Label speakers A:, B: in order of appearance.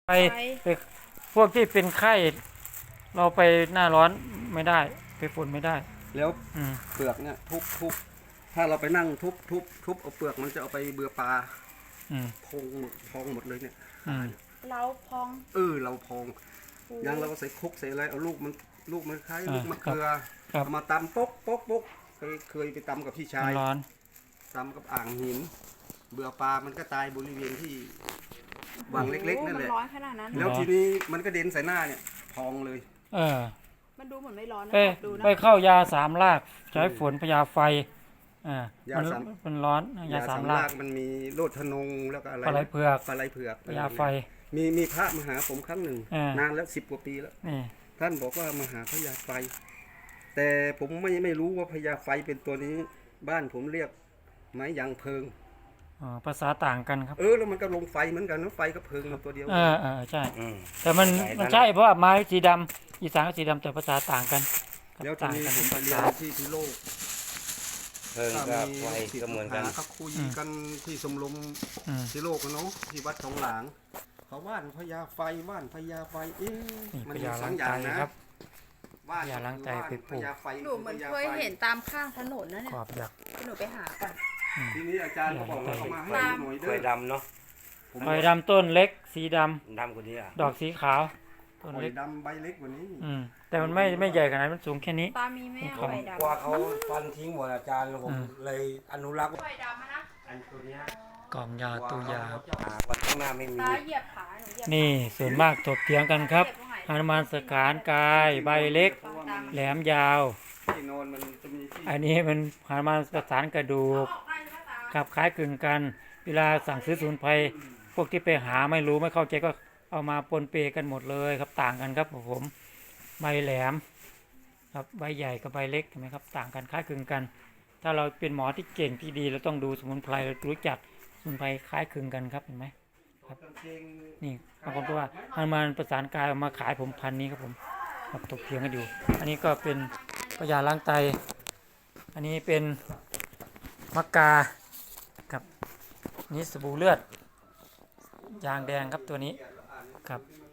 A: ไปพวกที่เป็นไข้เราไปหน้าร้อนไม่ได้ไปฝนไม่ได้
B: แล้วเปลือกเนี่ยทุบถ้าเราไปนั่งทุบเอาเปลือกมันจะเอาไปเบือปลาพองหมดเลยเนี่ย
C: เราพอง
B: เราพองยังเราก็ใส่คุกใส่อะไรเอาลูกมันคล้ายลูกมะเขือเอามาตำป๊กเคยไปตำกับพี่ชายตำกับอ่างหินเบือปลามันก็ตายบริเวณที่วางเล็กๆนั่นแหละแล้วทีนี้มันก็เด่นใส่หน้าเนี่ยพองเลย
C: มันดูเหมือนไม่ร้อนนะดูนะ
A: ไปเข้ายา3 รากใช้ฝนพยาไฟมันร้อนยา3 ราก
B: มันมีโลดทนงแล้วก็อะไร
A: ปลาไหลเผือกพยาไฟ
B: มีพระมาหาผมครั้งหนึ่งนานแล้ว10 กว่าปีแล้วท่านบอกว่ามาหาพญาไฟแต่ผมไม่รู้ว่าพญาไฟเป็นตัวนี้บ้านผมเรียกไม้ยางเพิง
A: ภาษาต่างกันครับ
B: แล้วมันก็ลงไฟเหมือนกันนะไฟก็เพิงตัวเดียว
A: ใช่แต่มันใช่เพราะว่าไม้สีดำอีสานก็สีดำแต่ภาษาต่างกัน
B: แล้วทีนี้ผมไปเรียนที่โลก
D: เพิงกับไฟก็เหมือนกัน
B: เขาคุยกันที่สมรมที่โลกเนาะที่วัดสองหลางเขาว่านพญาไฟว่านพญาไฟ
A: มันมีสองอย่างนะครับว่านพญาล้างใจไปปลูก
C: หนูเหมือนเคยเห็นตามข้างถนนนะเนี่ย
A: ขอบยักษ์
C: หนูไปหาก่อน
B: ทีนี้อาจารย์บอกว่าเขามาให้หน่อยด้วย
D: ไฟดำเนาะ
A: ไฟดำต้นเล็กสีด
D: ำกว่านี้
A: ดอกสีขาว
B: ต้นเล็กดำใบเล็กกว่านี้
A: แต่มันไม่ใหญ่ขนาดมันสูงแค่นี้
C: ตามีไหมไฟดำ
D: กว่าเขาฟันทิ้งหมดอาจารย์ผมเลยอนุรักษ์
C: ไฟดำนะ
D: อันตัวนี้
A: กล่องยาตัวยา
D: วันข้างหน้าไม่มี
C: ตาเหยียบขาหนูเหยียบ
A: นี่ส่วนมากถกเถียงกันครับหนุมานสกานกายใบเล็กแหลมยาวอันนี้มันหนุมานประสานกระดูกขับคล้ายคลึงกันเวลาสั่งซื้อสมุนไพรพวกที่ไปหาไม่รู้ไม่เข้าใจก็เอามาปนเปกันหมดเลยครับต่างกันครับผมใบแหลมครับใบใหญ่กับใบเล็กเห็นไหมครับต่างกันคล้ายคลึงกันถ้าเราเป็นหมอที่เก่งที่ดีเราต้องดูสมุนไพรเรารู้จักสมุนไพรคล้ายคลึงกันครับเห็นไหมครับนี่บางคนก็ว่าหนุมานประสานกายเอามาขายผมพันนี้ครับผมครับถกเถียงกันอยู่อันนี้ก็เป็นพญาล้างไตอันนี้เป็นมะกาครับนี่สบู่เลือดยางแดงครับตัวนี้ครับ